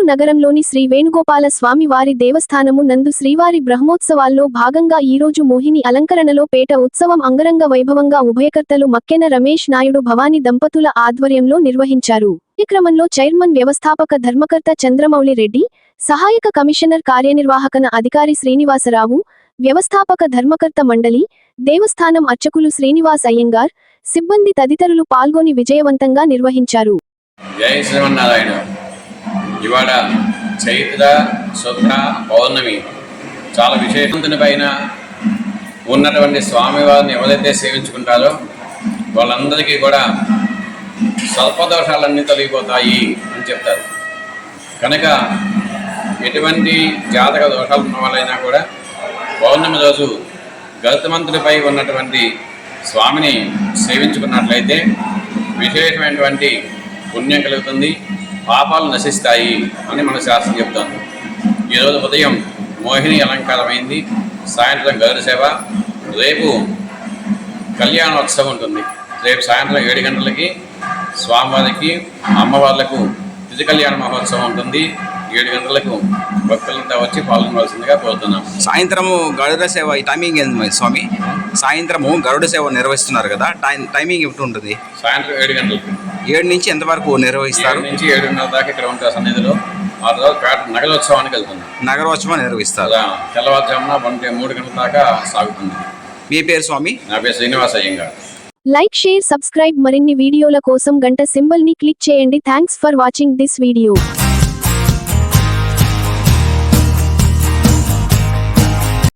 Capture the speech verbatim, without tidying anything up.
నగరంలోని శ్రీ వేణుగోపాల స్వామి వారి దేవస్థానము నందు శ్రీవారి బ్రహ్మోత్సవాల్లో భాగంగా ఈరోజు మోహిని అలంకరణలో పేట ఉత్సవం అంగరంగ వైభవంగా ఉభయకర్తలు మక్కెన రమేష్ నాయుడు భవాని దంపతుల ఆధ్వర్యంలో నిర్వహించారు. ఈ క్రమంలో చైర్మన్ వ్యవస్థాపక ధర్మకర్త చంద్రమౌళి రెడ్డి, సహాయక కమిషనర్ కార్యనిర్వాహకన అధికారి శ్రీనివాసరావు, వ్యవస్థాపక ధర్మకర్త మండలి, దేవస్థానం అర్చకులు శ్రీనివాస్ అయ్యంగార్, సిబ్బంది తదితరులు పాల్గొని విజయవంతంగా నిర్వహించారు. జై శ్రీమన్నారాయణ. ఇవాళ చైత్ర శుద్ధ పౌర్ణమి. చాలా విశేషవంతుని పైన ఉన్నటువంటి స్వామివారిని ఎవరైతే సేవించుకుంటారో వాళ్ళందరికీ కూడా స్వల్పదోషాలన్నీ తొలగిపోతాయి అని చెప్తారు. కనుక ఎటువంటి జాతక దోషాలు ఉన్న వాళ్ళైనా కూడా పౌర్ణమి రోజు గరుత్మంతుడిపై ఉన్నటువంటి స్వామిని సేవించుకున్నట్లయితే విశేషమైనటువంటి పుణ్యం కలుగుతుంది, పాపాలు నశిస్తాయి అని మన శాస్త్రం చెప్తుంది. ఈరోజు ఉదయం మోహిని అలంకారమైంది, సాయంత్రం గరుడ సేవ, రేపు కళ్యాణోత్సవం ఉంటుంది. రేపు సాయంత్రం ఏడు గంటలకి స్వామివారికి అమ్మవార్లకు తిథి కళ్యాణ మహోత్సవం ఉంటుంది. ఏడు గంటలకు భక్తులంతా వచ్చి పాల్గొనవలసిందిగా కోరుతున్నాం. సాయంత్రము గరుడ సేవ టైమింగ్ ఏంది స్వామి? సాయంత్రము గరుడ సేవ నిర్వహిస్తున్నారు కదా, టైం టైమింగ్ ఎప్పుడు ఉంటుంది? సాయంత్రం ఏడు గంటలకు ఏడు నుంచి ఎంతవరకు నిర్వహిస్తారు? ఏడు నుంచి ఏడున్నర దాకా ఇక్కడ ఉంటారు సన్నిధిలో. ఆ తర్వాత పేట నగరోత్సవానికి వెళ్తుంది. నగరోత్సవం నిర్వహిస్తారు. తెల్లవారుజామున ఒంటి మూడు గంటల దాకా సాగుతుంది. మీ పేరు స్వామి? నా పేరు Srinivas Iyengar. Like, share, subscribe. మరిన్ని వీడియోల కోసం గంట సింబల్ ని క్లిక్ చేయండి. Thanks for watching this video.